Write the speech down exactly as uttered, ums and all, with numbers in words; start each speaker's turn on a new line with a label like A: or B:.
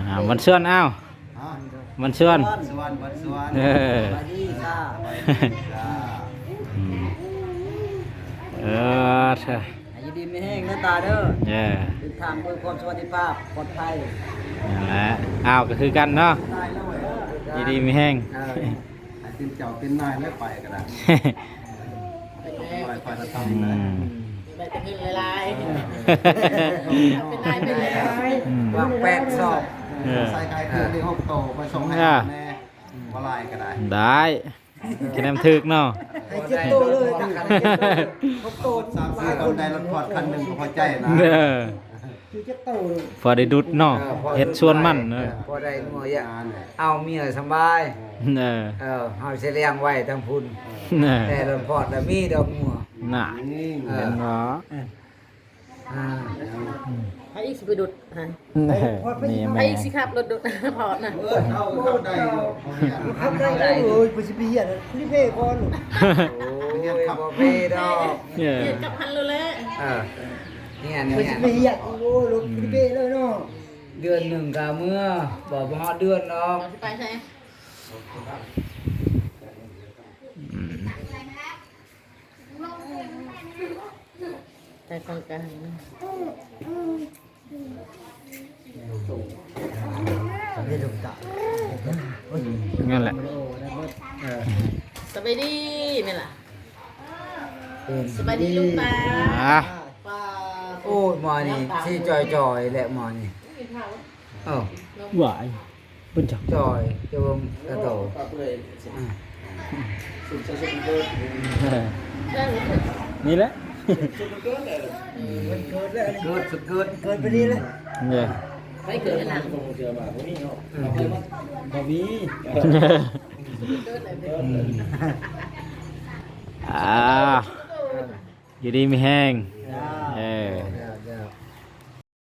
A: อ่ามันเชื่อนอ้าวมันเชื่อน
B: สวนบัดสวน
A: เออ
B: ไปดีจ้าไปดีจ้า
A: อืมเออเถอะ
B: อายุดีไม่แห้งหน้าตาเด้อ
A: เออ
B: ติดทางเพื่อความสวัสดิภาพปลอดภัย
A: นั่นแหละอ้าวก็คือกันเนาะ
B: ได้แล้วเว้ย
A: ดีดีมีแห้ง
B: เออให้เป็นเจ้าเป็นนายแล้วไปก็ได้ไปไปแล้วทำ
A: อื
B: นะ
A: ม
C: ได้เป็นเงินลายเป็นนายเป็นนาย
A: อืม
B: วางแปดสอบ
A: เออ
B: ใส่ไก่เครื่องในห้องโตไปส่งให้
A: อ่า
B: แน่ว่าลายก็ได้
A: ได้คะแนนถึกเนาะ
B: ให้เจ็บโตเลยห้องโตสามสี่คนได้รถพอดคันหนึ่งก็พอใจนะ
A: เออพอได้ดุดเนาะเฮ็ดชวนมันเออ
D: พอได้งัวเยอะเอาเมียสบาย
A: เออ
D: เออเฮาสิเลี้ยงไว้ทั้งพุ่น
A: เออ
D: แต่ลำพอดแล้วมีดอกงัว
A: น่ะ
B: นี่
D: เอ
A: เห็
D: อน
A: บ่
D: อ่า
C: ให้อีกสิไปดุดฮะ
A: เออนี่
C: ให้
A: แม่
C: อีกสิครับรถดุดพอนะ
B: เออเข้าเข้าได้อยู่เขาเนี่ย
E: ทำได้เลยไปสิไปเหี้ยนะรีบเพ่ก่อน
D: โอ้ยบ่มีดอก
A: เออ
C: เรียนกับพันเลยแหละ
D: เออเนี่ย
E: ไป
D: เนี่
E: สิ
D: ย
E: ไปเหี้ยโอ้รถรีบเพ่เลยเนาะ
D: เดือนหนึ่งก็เมื่อบ่บ่ฮอดเดือนดอก
C: เราจะไปใช่ใจกองกลาง
E: นี่ถูกตา
A: งั้นแหละ
C: สบายดีไหมล่ะ
D: เป็น
C: สบายดีลูกตา
A: อ่ะ
C: ป้า
D: โอ้ยหมอนี่สิจอยๆแหละหมอนี่เออ
A: หวายเพิ่นจัก
D: จอยจะบ่กระโตอ่า
A: เออนี่แหละ
E: เกิดแล้ว
B: เกิดสุดเกิด
E: เกิดไปดีเลย
A: เนี่ย
C: ไม่เกิดอะไร
E: บ่มี
C: เกิดอะไรเป็น
A: อ่าอยู่ดีมีแห้ง
E: จ้า